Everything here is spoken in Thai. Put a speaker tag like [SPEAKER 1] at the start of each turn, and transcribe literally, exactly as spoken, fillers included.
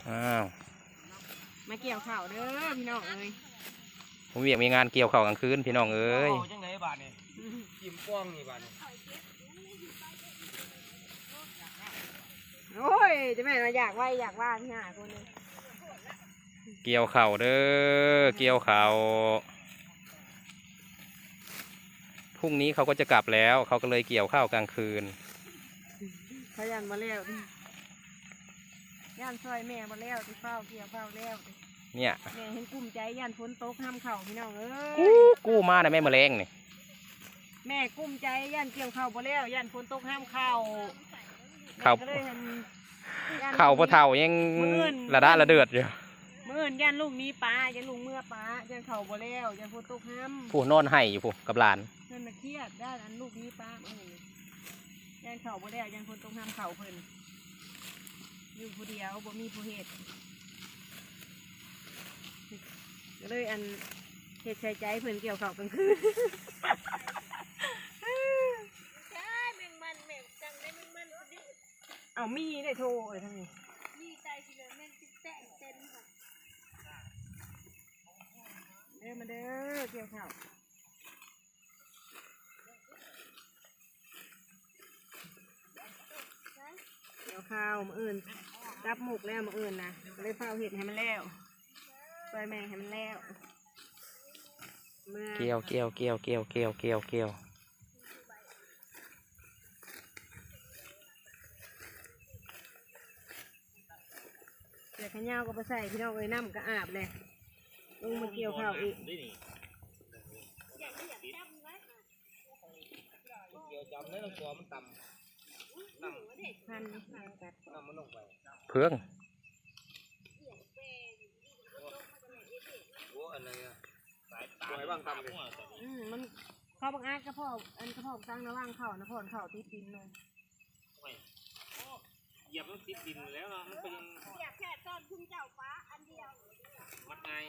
[SPEAKER 1] อ้าว
[SPEAKER 2] มาเกี่ยวข่าวเด้อพี่น้องเอ้ย
[SPEAKER 1] ผมเวียกมีงานเกี่ยวข้าวกลางคืนพี่น้องเอ้ย
[SPEAKER 3] จังไหนบาทนี่จิ้มป้องนี่บาทนี่
[SPEAKER 2] โอ้ยจะแม่มาอยากว่าอยากว่าพี่หาคนนึง
[SPEAKER 1] เกี่ยวข้าวเด้อเกี่ยวข้าวพรุ่งนี้เขาก็จะกลับแล้วเขาก็เลยเกี่ยวข้าวกลางคืน
[SPEAKER 2] พยันมาแล้วย่านซอยแม่มาแล้วที่เฝ้าเกี่ยวเฝ้าแล้ว
[SPEAKER 1] เนี่ย
[SPEAKER 2] แม่เห็นกุ้มใจย่านฝนตกห้ามเข่าพี่น้องเอ้ย
[SPEAKER 1] กู้กู้มาแต่แม่แมลงนี่
[SPEAKER 2] แม่กุ้มใจย่านเกี่ยวเข่ามาแล้วย่านฝนตกห้ามเข่า
[SPEAKER 1] เข่า
[SPEAKER 2] เข่า
[SPEAKER 1] พ่อเฒ่ายังระด้าระเดือดอยู่
[SPEAKER 2] เมื่อย่านลูกนี้ป้าย่านลูกเมื่อป้าย่านเข่ามาแล้วย่านฝนตกห้าม
[SPEAKER 1] ผู้นอนไห้อยู่ผู้กับหลาน
[SPEAKER 2] เพิ่นมาเครียดด้านอันลูกนี้ป้าเออย่านเข่ามาแล้วย่านฝนตกห้ามเข่าเพิ่นอยู่ผู้เดียวบ่มีผู้เหตุก็เลยอันเหตุใช้ใจเพิ่นเกี่ยวเข่ากลางคืนเอามีได้โทรเอ้ยทั้งนี้มีใจสิเลยแม่งติดแตะเต็มค่ะเด้อมาเด้อเกี่ยวข้าวเกี่ยวข้าวมาอื่นรับหมกแล้วมาอื่นนะเลยเฝ้าเห็ดให้มันแล้วปล่อยแมงให้มันแล้ว
[SPEAKER 1] เกี่ยวเกี่ยวเกี่ยวเกี่ยวเกี่ยวเกี่ยวเกี่ยว
[SPEAKER 2] เดี๋ยวขย้าวก็ไปใส่พี่น้องเอ้ยน้ำก็อาบเลยลงมาเกี่ยวข้าวอีก
[SPEAKER 3] เกี่ยวจำได้ต้องตัวมันต่ำต่ำ
[SPEAKER 2] พัน
[SPEAKER 3] ต่ำมันลงไป
[SPEAKER 1] เพื่อง
[SPEAKER 3] โอ้อะไรอะสายตาไหนบ้างต่ำเลย
[SPEAKER 2] อืมมันข้าวบังอาจกระเพาะอันกระเพาะตั้งระว่างเข่านะพ่อนเข่าติดดินเลย
[SPEAKER 3] เหยียบมันติดดินแล้วมันเป็นเหยียบแค่ตอนพุ่งเจ้าฟ้าอันเดียวมันไง